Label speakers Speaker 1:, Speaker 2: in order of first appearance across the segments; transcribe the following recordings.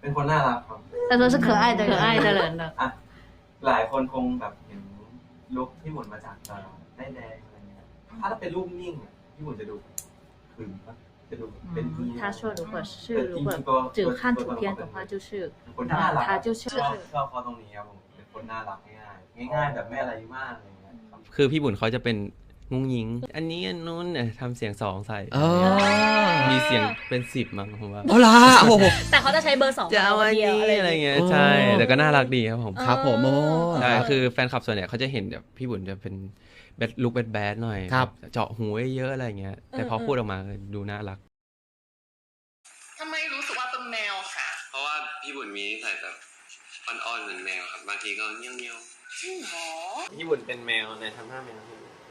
Speaker 1: เป็นคนน่ารักครับ
Speaker 2: 他说是可爱的
Speaker 3: 可爱的人的
Speaker 1: อ่ะหลายคนคงแบบเห็นลุคพี่หมุนมาจากได้แดงอะไรเงี้ยถ้าเป็นรูปนิ่งพี่หมุนจะดูขึงปะจะดูเป็นที่
Speaker 3: 他说如果只看图片的话就是
Speaker 1: คนน่ารัก
Speaker 3: 他就是
Speaker 1: ชอบเขาตรงนี้ครับผมเป็นคนน่ารักง่ายๆแบบไม่อะไรมากอะไรเงี้ย
Speaker 4: คือพี่บุญเขาจะเป็นงุ้งยิงอันนี้อันนู้นทำเสียง2ใส่มีเสียงเป็น10มั้งผมว่า
Speaker 5: เอาล่ะโอ้โห
Speaker 3: แต่เขาจะใช้เบอร์2
Speaker 4: จะเอาอันนี้อะไรเงี้ยใช่แต่ก็น่ารักดีครับผม
Speaker 5: ครับผมโอ้
Speaker 4: ใช่คือแฟนคลับส่วนใหญ่เขาจะเห็นแบบพี่บุญจะเป็นลุคแบดๆหน่อย
Speaker 5: ครับ
Speaker 4: เจาะหูเยอะๆอะไรเงี้ยแต่พอพูดออกมาดูน่ารัก
Speaker 6: ทำไมรู้สึกว่าเป็นแมวค่ะ
Speaker 7: เพราะว่าพี่บุญมีนิสัยแบบอ่อนๆเหมือนแมวครับบางทีก็เงี้ยว
Speaker 6: จริงเหรอ
Speaker 4: พี่บุญเป็นแมวในทำหน้าแมว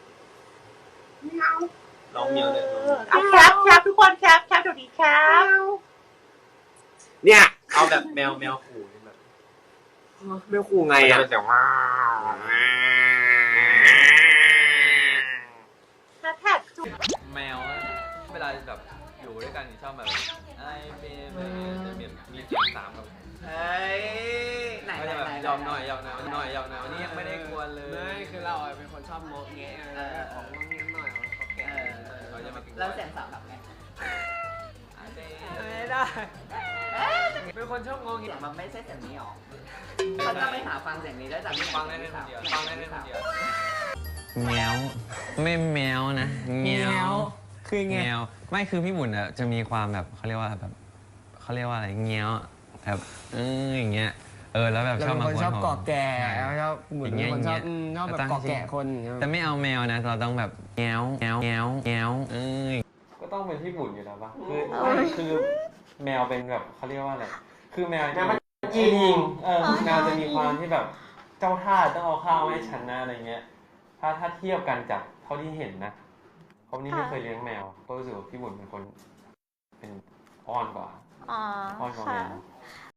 Speaker 4: ลองเมียวเลย
Speaker 6: แคปทุกคนแคปเดี๋ยวนี้แคป
Speaker 5: เนี่ย
Speaker 4: เอาแบบแมวขู่แบบ
Speaker 5: ไม่คู่ไงอ่ะ
Speaker 4: แต่ว่า
Speaker 6: แท็กจุ๊บ
Speaker 4: แมวเวลาแบบอยู่ด้วยกันชอบแบบไอ้เบมจะมีเสียง3แบบ
Speaker 6: เฮ้ยไหน
Speaker 4: ก็จะแบบยอมหน่อยวันนี้ยังไม่ได้กวนเลย
Speaker 8: ไม่คือเราเป็นคนชอบโมเงะของงเงี้ยหน่อยเขาแก่
Speaker 4: เขาจะมากิน
Speaker 6: แล้วเสียงสามแบบไง
Speaker 8: ไม่ได้เป็นคนชอบงง
Speaker 6: เสียงมันไม่ใช่เสียงนี้หรอเขาจะไปหาฟังเสียงนี้ได้จาก
Speaker 4: ฟังได้คนเดียวฟังได้คนเดียว
Speaker 9: แมวไม่แมวนะแมว
Speaker 8: คือไง
Speaker 9: แมวไม่คือพี่บุญอ่ะจะมีความแบบเขาเรียกว่าอะไรเงี้ยวแบบอย่างเงี้ยแล้วแบบชอบมา
Speaker 8: คนชอบเกาะแก่
Speaker 9: ใช่
Speaker 8: ชอบเหมือนคนชอบแบบเกาะแก่คน
Speaker 9: แต่ไม่เอาแมวนะเราต้องแบบแงว
Speaker 4: ก็ต้องเป็นพี่บุญอยู่แล้วป่ะคือแมวเป็นแบบเขาเรียกว่าอะไรคือแมวมันจริงแมวจะมีความที่แบบเจ้าท่าต้องเอาข้าวให้ฉันนะอะไรเงี้ยถ้าเทียบกันจากเท่าที่เห็นนะเพราะนี่ไม่เคยเลี้ยงแมวก็รู้สึกว่าพี่บุญเป็นคนเป็นอ้อนกว่า
Speaker 10: อ๋อ
Speaker 4: อ้อนกว่าแม
Speaker 10: ค่ะ
Speaker 4: ว